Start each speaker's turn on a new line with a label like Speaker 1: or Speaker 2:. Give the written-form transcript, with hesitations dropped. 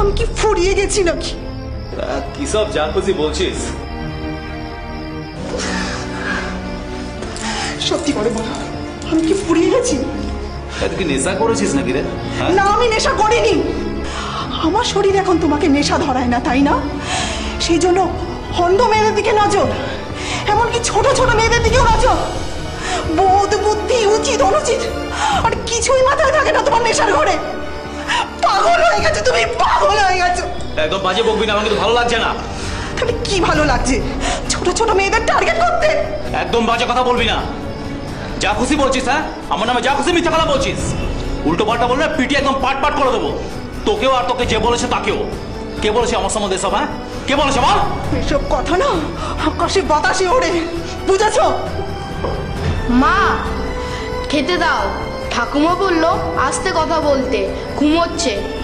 Speaker 1: আমি কি ফুরিয়ে গেছি নাকি?
Speaker 2: কি সব যা খুশি বলছিস?
Speaker 1: সত্যি করে বলো, আমি কি ফুরিয়ে গেছি?
Speaker 2: তুই কি নেশা করেছিস নাকি রে?
Speaker 1: না, আমি নেশা করিনি। আমার শরীর এখন তোমাকে নেশা ধরায় না, তাই না? সেই জন্য হন্ড মেয়েদের দিকে নজর, এমনকি ছোট ছোট মেয়েদের দিকেও নজর। বোধ বুদ্ধি উচিত অনুচিত আর কিছুই মাথায় থাকে না তোমার নেশার ঘরে। পাগল হয়ে গেছো তুমি, পাগল হয়ে গেছো।
Speaker 2: একদম বাজে বকবি না, আমার কিন্তু ভালো লাগছে না।
Speaker 1: তাহলে কি ভালো লাগছে? ছোট ছোট মেয়েদের টার্গেট করতে?
Speaker 2: একদম বাজে কথা বলবি না। যা খুশি বলছিস, হ্যাঁ? আমার নামে যা খুশি মিথ্যা কথা বলছিস। উল্টো পাল্টা বললে পিটি একদম পাট পাট করে দেবো, তোকেও আর তোকে যে বলেছে তাকেও। কে বলেছে আমার সম্বন্ধে সব? হ্যাঁ, কে বলেছে বল?
Speaker 1: এসব কথা না আকাশে বাতাসে ওড়ে, বুঝেছো?
Speaker 3: মা, খেতে দাও। ঠাকুমা বললো আস্তে কথা বলতে, ঘুমোচ্ছে।